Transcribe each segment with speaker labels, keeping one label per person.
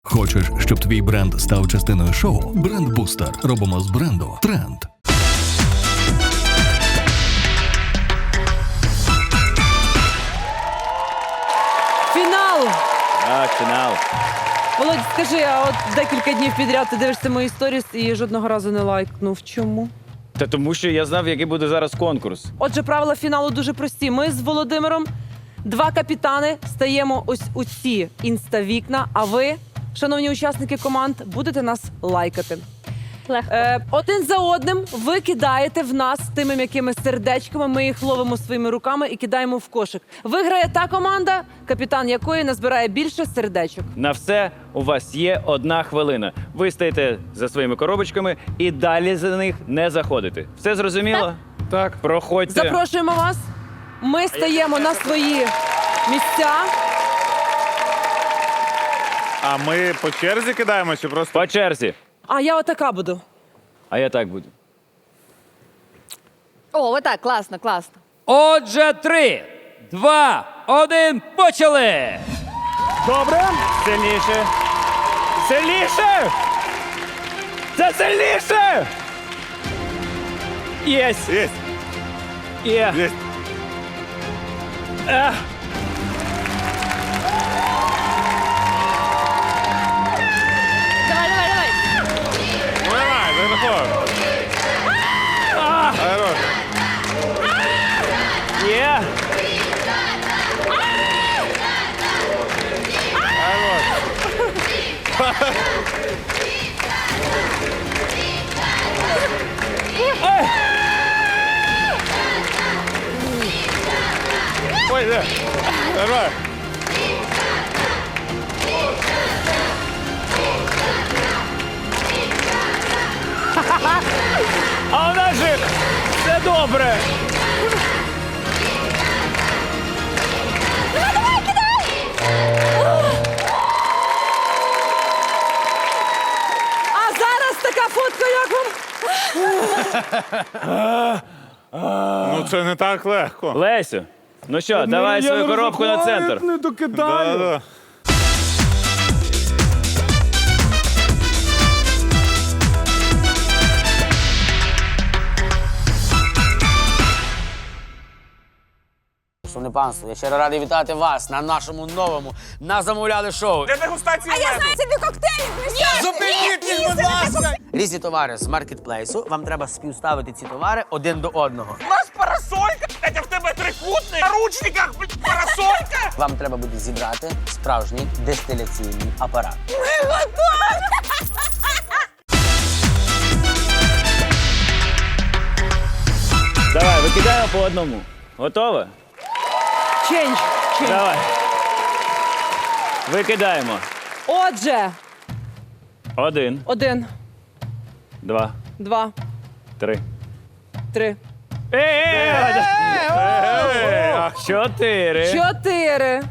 Speaker 1: Хочеш, щоб твій бренд став частиною шоу? Бренд-бустер. Робимо з бренду тренд.
Speaker 2: Фінал!
Speaker 3: Так, фінал.
Speaker 2: Володь, скажи, а от декілька днів підряд ти дивишся мої сторіс і жодного разу не лайкнув. Чому?
Speaker 3: Та тому що я знав, який буде зараз конкурс.
Speaker 2: Отже, правила фіналу дуже прості. Ми з Володимиром, два капітани, стаємо ось у ці інста-вікна, а ви, шановні учасники команд, будете нас лайкати.
Speaker 4: Легко.
Speaker 2: Один за одним ви кидаєте в нас тими м'якими сердечками, ми їх ловимо своїми руками і кидаємо в кошик. Виграє та команда, капітан якої назбирає більше сердечок.
Speaker 3: На все у вас є 1 хвилина. Ви стаєте за своїми коробочками і далі за них не заходите. Все зрозуміло?
Speaker 5: Так.
Speaker 3: Проходьте.
Speaker 2: Запрошуємо вас. Ми стаємо на свої місця.
Speaker 5: А ми по черзі кидаємо чи просто?
Speaker 3: По черзі.
Speaker 2: А я отака буду.
Speaker 3: А я так буду.
Speaker 4: О, отак, класно, класно.
Speaker 6: Отже, 3, 2, 1, почали!
Speaker 3: Добре. Сильніше. Сильніше! Це сильніше! Єсть!
Speaker 5: Єсть,
Speaker 3: Є!
Speaker 5: єсть.
Speaker 3: Ех.
Speaker 4: Давай, давай, давай.
Speaker 5: Давай, заходь. Хорош.
Speaker 3: Є!
Speaker 5: Ой, да. Давай.
Speaker 3: А у нас же все добре!
Speaker 2: А зараз така фотка, як вам?
Speaker 5: Ну це не так легко.
Speaker 3: Лесю, ну що, давай свою коробку на центр.
Speaker 5: Да, да.
Speaker 7: Шановне панство, я щиро радий вітати вас на нашому новому «Назамовляли» шоу.
Speaker 5: Для дегустації меду.
Speaker 7: Зупиніть їх, будь ласка! Різні товари з маркетплейсу. Вам треба співставити ці товари один до одного.
Speaker 8: У нас парасолька, блядь, а в тебе трикутник, на ручниках, блядь, парасолька.
Speaker 7: Вам треба буде зібрати справжній дистиляційний апарат.
Speaker 3: Давай, викидаємо по одному. Готова?
Speaker 2: Ченч.
Speaker 3: Давай. Викидаємо.
Speaker 2: Отже,
Speaker 3: 1,
Speaker 2: 1,
Speaker 3: 2,
Speaker 2: 2,
Speaker 3: 3.
Speaker 2: 3,
Speaker 3: 4,
Speaker 2: 4,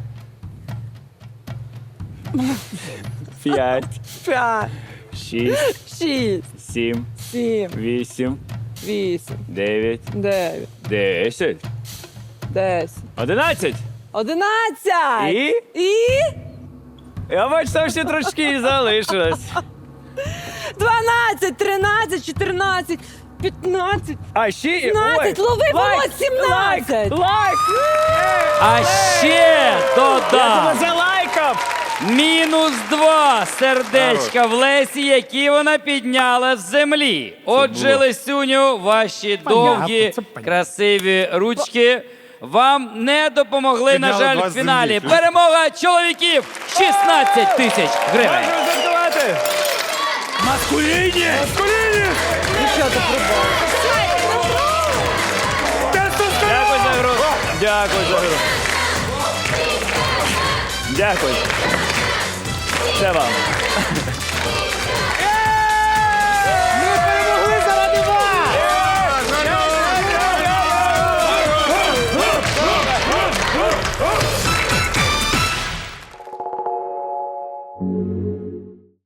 Speaker 3: 5,
Speaker 2: 5,
Speaker 3: 6,
Speaker 2: 6,
Speaker 3: 7,
Speaker 2: 7,
Speaker 3: 8,
Speaker 2: 8,
Speaker 3: 9,
Speaker 2: 9,
Speaker 3: 10,
Speaker 2: 10,
Speaker 3: 11.
Speaker 2: 11.
Speaker 3: І?
Speaker 2: І?
Speaker 3: Я бачу, там ще трошки залишилось.
Speaker 2: 12, 13, 14, 15,
Speaker 3: А ще...
Speaker 2: 15, лови, Володь, 17.
Speaker 3: Лайк!
Speaker 6: А ще
Speaker 3: Я тебе
Speaker 6: додам
Speaker 3: залайкав!
Speaker 6: -2 сердечка в Лесі, які вона підняла з землі. Отже, Лесюню, ваші довгі, красиві ручки вам не допомогли, на
Speaker 5: Підняли
Speaker 6: жаль,
Speaker 5: два
Speaker 6: в
Speaker 5: з
Speaker 6: фіналі.
Speaker 5: землі.
Speaker 6: Перемога чоловіків 16 тисяч гривень.
Speaker 3: Можемо святкувати!
Speaker 5: Маскуліні! Маскуліні!
Speaker 2: Що ти пробував?
Speaker 3: Дякую за гру! Дякую за гру! Дякую! Це вам!